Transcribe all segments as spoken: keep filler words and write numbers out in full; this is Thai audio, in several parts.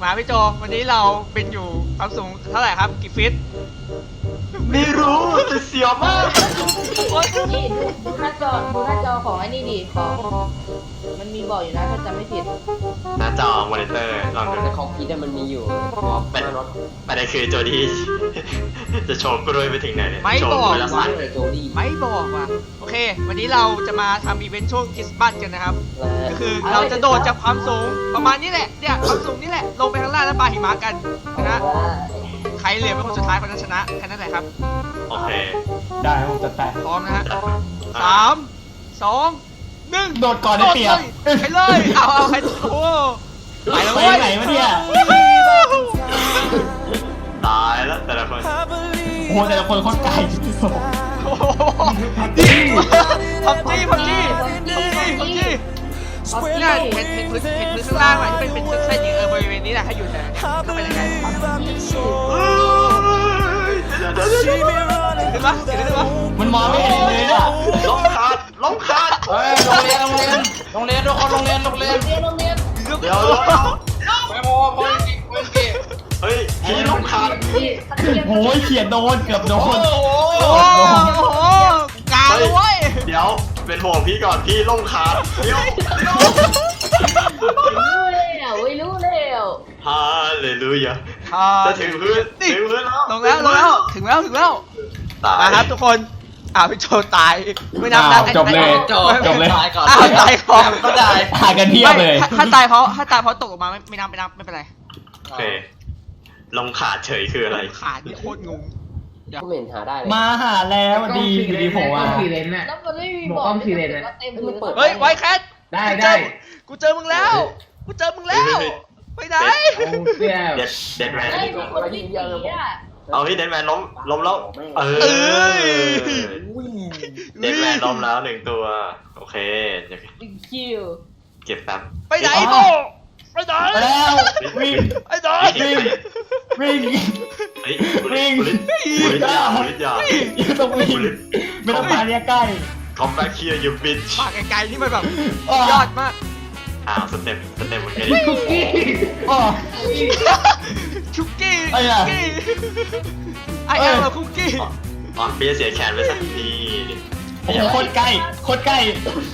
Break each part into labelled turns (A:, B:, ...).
A: มาพี่โจวันนี้เราเป็นอยู่ความสูงเท่าไหร่ครับกี่ฟิต
B: ไม่รู้แต่เสียวมาก
C: นี่ดูดูหน้าจอดูหน้าจอของไอ้นี่ดิของมันมีบอกอยู่นะถ้าจำไม่ผิด
B: หน้าจอมอนิเตอร์ลองดู
D: แต่
B: นะ
D: ของพีทมันมีอยู่
B: เป็นประเด็นคือโจดี้ จะโชว์กล้วยไปถึงไหนเนี่ย
A: ไม่
B: โช
A: บ
B: ว์
A: อก
B: กล้วยละ
D: วา
B: สั่
D: ง
B: น
D: แต่โจลี่
A: ไม่บอกว่ะโอเค วันนี้เราจะมาทำอีเวนต์ช่วงคริสต์มาสกันนะครับก็คือเราจะโดดจากความสูงประมาณนี้แหละเนี่ยความสูงนี่แหละลงไปข้างล่างแล้วปาหิมะกันนะใครเหลือเป็นคนสุดท้ายคนนั้นชนะแค่นั้นแหละครับ
B: โอเค
E: ได้ผมจะแตะ
A: พร้อมนะฮะ
B: อ่ะ
A: สามสองหนึ่ง
E: โดดก่อนได้เปรียบ
A: ไปเลยเอาเอาใครโอ้ไปแล้ว
E: ไป
A: เว้ย
E: ไหนวะเนี่ย
B: ตายแล้วแต่ละคน
E: โอ้โหแต่ละคนโคตรไกล
A: โอ้โหพับจี้พับจี้พับจี้พับจี้เนี่ยเห็นเห็นพื้นเห็นพื้นข้างล่างไหมที่เป็นเป็นเส้นๆอย่างเออบริเวณนี้แหละให้อยู่แถวนี้ก็เป็นยังไงขึ้นปะขึ้นปะ
E: มันมองไม่เห็นเลยอ่ะ
B: ล้มขาดล้มขาด
D: เฮ้ยโรงเรียนโรงเรียนโรงเรียนทุกคนโรงเรียนโรงเรียน
C: เรียนโรงเรียน
B: เดี๋ยวเดี๋ยวเดี๋ยว
D: ไปโมโพลิกิโพลิกิ
B: เฮ้ยพี่ล้มขาด
E: โอ้ยเขียนโดนเกือบโดน
A: โอ้โหกาเลยเว้ย
B: เดี๋ยวเป็นห่วงพี่ก่อนพี่ล้มขาดเดี๋ยวเดี๋ยว
C: รู้แล้วไม่รู้แล้ว
B: ฮาเลลูยาจะถึงพื้นถึงพื้นแล้ว
A: ลงแล้วลงแล้วถึงแล้วถึงแล้ว
B: ตาย
A: มาครับทุกคนอ้าวพี่โจตายไม่นับนะ
E: จบเลยจบเลย
D: ตายก่อน
A: อ้าวตายก่อน
D: ก็ได้
E: ถ่ายกันเทียบเลย
A: ถ้าตายเพราะถ้าตายเพราะตกลงมาไม่ไม่นับไม่นับไม่เป็นไร
B: โอเคลงขาดเฉยคืออะไร
A: ขาดนี่โคตรงง
D: ก็ไม่เห็นหาได้เลย
E: มาหาแล้วดีอยู่ดีผมว่า
F: ทีเลนน่ะ
C: แล้วมันไม่มี
F: หม
C: บ
F: ว
C: อก ก
F: อ้อมทีเลนนะ
C: เต็ม
D: มันเปิด
A: เฮ้ยไวแคท
F: ได้ได้
A: กูเจอมึงแล้วกูเจอมึงแล้วไปไหน
F: เอาเสื้อ
B: เด็ดเด็ดแมน
C: ไอ้มีคนวิ่งหนีอ่ะ
B: เอาพี่เด็ดแมนล้มล้มแล้วเออเด็ดแมนล้มแล้วหนึ่งตัวโอเคเดี๋ยว
C: ดึงคิว
B: เก็บแป๊บ
A: ไปไหนโบไปไหน
E: ไปแล้ววิ่ง
A: ไปไหน
E: วิ่งวิ่ง
B: เฮ้ยบุลิบุลิบุลิยาบุลิยา
E: ยังต้องวิ่งไม่ต้องมาเรียกใกล้
B: come back here you bitch
A: ปากไกลๆนี่มันแบบ
E: อ๋อ
A: ยอดมาก
B: อ้าวสเต็ปสเต็ปเหมือนกัน
F: คุกกี้
E: อ๋อ
A: คุกกี้
E: ไอ้
A: คุ
E: อะ
A: กกี้ไอ้แอมคุกกี้
B: อ๋อพี่จะเสียแขนไปสักที
E: โอ้โหโคตรใกล้โคตรใกล้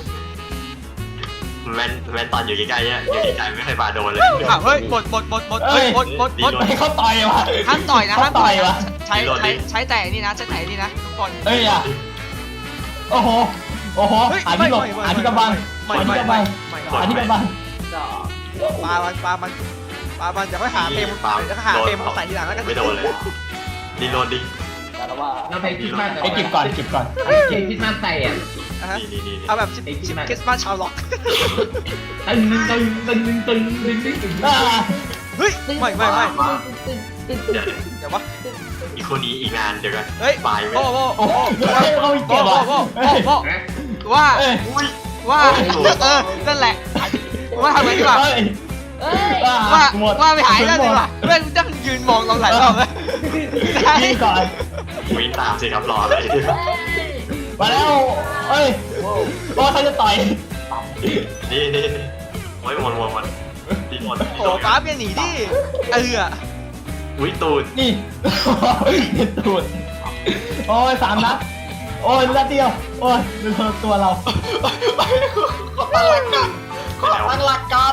B: แมนแมนตอนอยู่ใกล้ๆเนี่ยอยู่ใกล้ๆไม่เคยมาโดนเลย
A: อ้าวเฮ้ยบดบดบดบดเฮ้ยบดบดบด
E: ให้เขาต่อยวะ
A: ห้ามต่อยนะห้ามต่อย
E: เขาต่อยวะ
A: ใช้ใช้ใช้แต่นี่นะใช้แต่นี่นะทุกคน
E: เอ้ยอ่ะโอ้โหโอ้โห
A: เฮ้ย
E: หาที่หลบ
A: ไม่ไม่
E: หาที่กำบัง
A: ไม่
E: หาที่
A: ไม่
E: กำบัง
A: ไม่
E: หาที่กำบัง
A: ปลามันปลามันปลามันอย่าไปหาเฟรม
B: ปา
A: เดี๋ยวก็หาเฟรมมาใส่ทีหลังแล้วกัน
B: ไม่โดนเลยดีโดนดิ
D: แต่ละว่า
F: เราไปคิดมาก
E: ไอ้เก็บก่อนเก็บก่อน
F: เก็บคิดมากใส่อ่ะ
A: อ่ะฮะ
B: นี่นี่นี่
A: เอาแบบชิปชิปคริสต์มาสชาวล็อก
F: ตึงตึงตึงตึงตึงตึงตึงตึง
E: อ่า
A: เฮ้ยไม่ไม่ไม่
C: ตึ้งตึ้งตึ้ง
B: เดี๋ยว
A: เดี๋ยววะ
B: อีกคนนี้อีกงานเดี๋ยวกัน
A: เฮ้ย
B: ปลายไหม
A: โบ้โบ้
E: โอ้โหเขาอีก
A: โบ้
E: เก็บ
A: โบ้
E: อ่ะ
A: โบ้
E: เฮ้ย
A: โบ้
F: นะ
A: ว่า
E: เอ้ย
B: อุ้ย
A: ว่าเออนั่นแหละว่าทำไงดีกว่า
E: เฮ้ย
C: เอ้ย
A: ว่า
E: หมด
A: ว่าไปหายแล้วดีกว่าเพื่อนจะยืนมองเราหลายรอบเลย
E: ยิงก่อน
B: วิ่งตามสิครับรออะไร
E: มาแล้วเอ้ยโอ้เขาจะต่อย
B: นี่นี่นี่โอ้ยหมดหมดหมดดีหมด
A: โอ้ป้าเปลี่ยนหนีดิเออ
B: อุ้ยตูด
E: นี่ตูดโอ้ยสามนัดโอ้ยนัดเดียวโอ้ยดูตัวเรา
B: ตั้งหลักการ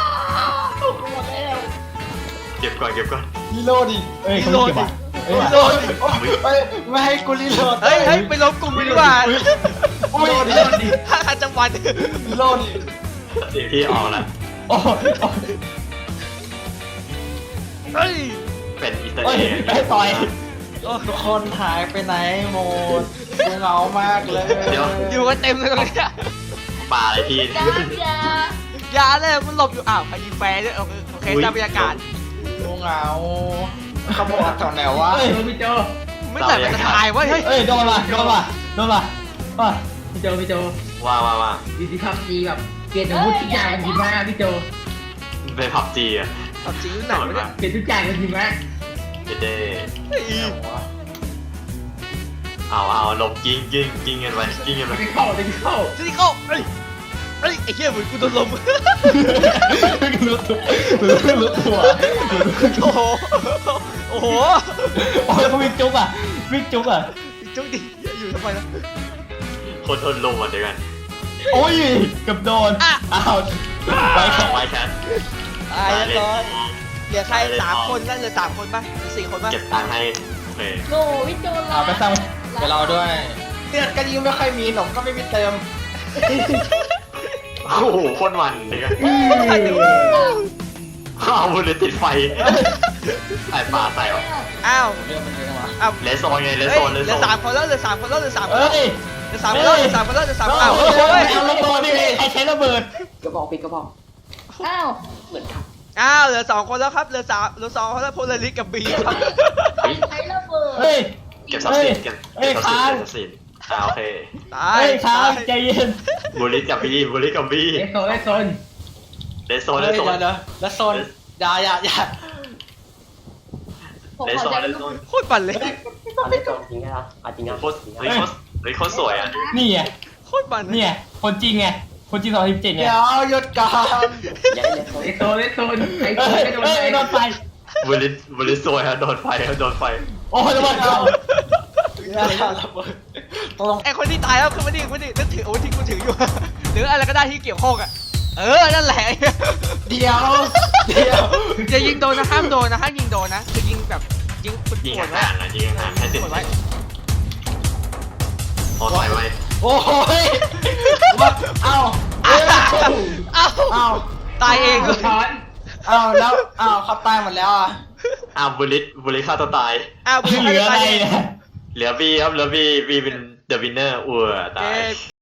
B: เก็บก่อนเก็บก่อน
E: รีโหลดดิเอ้ยเขาไม่เก็บอ่ะเอ้ย
A: โดน
E: เอ้ยไม่ให้กูรีโหลด
A: เฮ้ยเฮ้ยไปลบกลุ่มดีกว่า
E: โอ้ยรีโหลดดิ
A: ถ้าอาจังหวัด
E: รีโหลดดิ
B: เดี๋ยวพี่ออกแล้ว
E: โอ้ย
A: เฮ้ย
B: เป็นอิตา
E: เอ้ย
B: ลี
E: ให้ต่อย
F: ทุกคนหายไปไหนหมดเหงามากเลย
B: เดี๋ยว
A: อยู่กันเต็มเลยตรงนี้
B: ปลาอะไรพี่
C: จ้าจ้า
A: อย่าเลยมันหลบอยู่อ้าวไปยิงแฟร์ด้วยโอเคตามบรรยากาศ
F: เหงาขโมยตอนไหนวะพี่โจ
A: ไม่แต่มันจะตายเว้ยเฮ้ย
E: เอ้ยโดนมาโดนมาโดนมาอ่ะ
F: พี่โจพี่โจ
B: ว่าว่าว่า
F: ดีที่พับจีแบบเปลี่ยนอาวุธทุกอย่างกันทีมากพี่โจ
B: เป็นพับจีอ่ะ
A: ตัดจริงไหนวะเนี่ย
F: เปลี่ยนทุกอย่างกันทีมาก
B: เด็ดเด้
A: เฮ้ย
B: เอาเอาลบกิ้งกิ้งกิ้งกันไปกิ้งกันไป
F: ไม่เข้าไม่เข้า
A: ซิลิโก้เฮ้ยเฮ้ยไอ้เหี้ยเหมือนกูโดนลม
E: รู้ตัวรู้ตัว
A: โอ้โหโอ้โห
E: โอ้ยเขาวิ่งจุกอ่ะวิ่งจุกอ่ะ
A: จุ๊กดิอยู่ทำไมนะ
B: คนทนลมอ่ะเดี๋ยวกัน
E: โอ้ยเกับโดนอ้าวไปครับ
B: ไปแคท
A: ตายแล้วร้อยเหลือใครสามคนนั่นเหลือสามคนป่ะหรือสี่คนป่ะ
B: เก็บตังค์ให้โอเค
C: โนวิโจลา
E: เอาไปสร้าง
F: ไปเราด้วยเลือดก็ยิ่งไม่ค่อยมีหนมก็ไม่มีเติม
B: โอ้โหโคตรมันเดี๋ยวกันเอาบุลเลตติดไฟไอ้ปลาใส่หรอ
A: อ้าว
F: เลือดมันเยอะวะ
A: อ้าว
B: เลสโซนไงเลส
A: เฮ้
B: โซ
A: ย
B: นเลส
A: เหลื
B: โซ
A: อน สามคนแล้วเหลือสามคนแล้วเหลือสามคน
E: เอ้
A: แล้ว
E: ย
A: เหลือสามคนแล้วเหลือสามคนแล้วเหลือสามคนแล้วอ้าว
E: เอ้
A: โอ้
E: ย
A: ย
E: เอาระเบิดนี่ใครใช้ระเบิด
D: กระบอกปิดกระบอก
C: อ้าว
D: เหมือนกัน
A: อ้าวเหลือสองคนแล้วครับเหลือสามเหลือสองคนแล้วโพลาริสกับบีครับ
C: ใช้ระเบิด
E: เฮ้ย
B: เก็บทรัพย์สินเก็บ
E: เอ้
B: เก็
E: ย
B: บทรัพย์สิน
E: ค้าง
B: เก็บทรัพย์สินอ่าโอเค
A: ตาย
E: เฮ้ยค้าง
A: ตาย
E: ใจเย็น
B: บุลลิตกับบีบุลลิตกับบี
E: เอ็กโซเอ็กโซน
B: เลสโซนเล
F: เฮ้
B: ส
F: ย
B: โซน
F: เดี๋ยวเดี๋ยวแล้วโซนอย่าอย่าอย่า
C: ผม
B: เลส
C: ขอ
B: โซน
C: ใจ
B: เลส
C: ลู
B: โซ
C: ก
B: น
A: โคตรปั่นเลย
D: อันนี้จริงไงล่ะอ่ะจริงอ่ะ
B: โคตรเฮ้ยโคตรเฮ้ยโคตรสวยอ่ะ
E: นี่ไง
A: โคตรปั่นเลย
E: นี่ไงคนจริงไงคนจริงสองสิบเจ็ดไง
F: เดี๋ยวหยุดก่อน
D: ยังไม่ได้โซน
E: เอ็กโซเอ็กโซนไอ้โดนไอ้โดนไอ้โดนไฟ
B: บุลลิตบุลลิตสวยอะโดนไฟอะโดนไฟ
E: โอ้ยระเบิดเข้า
F: อย่าระเบิดตรง
A: ไอคนที่ตายแล้วคือมันนี่มันนี่นึกถือโอ้ที่กูถืออยู่ หรืออะไรก็ได้ที่เกี่ยวข้องอ่ะเออนั่นแหละ
F: เดียวเดียว
A: อย่ายิงโดนนะห้ามโดนนะห้ามยิงโดนนะคือยิงแบบยิงป
B: ยิง
A: วดๆไว้
B: ห่างๆนะยิงห่างๆให้ติด
A: ปวดไว้
B: พอถอยไว้
F: โอ้ยว่าเอ้า
A: อ้าวอ้าว
F: เอ้า
A: ตายเองเลย
E: ช้อน
F: เอ้าแล้วเอ้าเขาตายหมดแล้วอ่ะ
B: อ้าวบุลลิตบุลลิตฆ่าตัวตาย
A: อ้าว
E: เหลืออะไรเนี่ย
B: เหลือบีครับเหลือบีบีเป็นเดอะวินเนอร์อัวตาย
A: เจ๊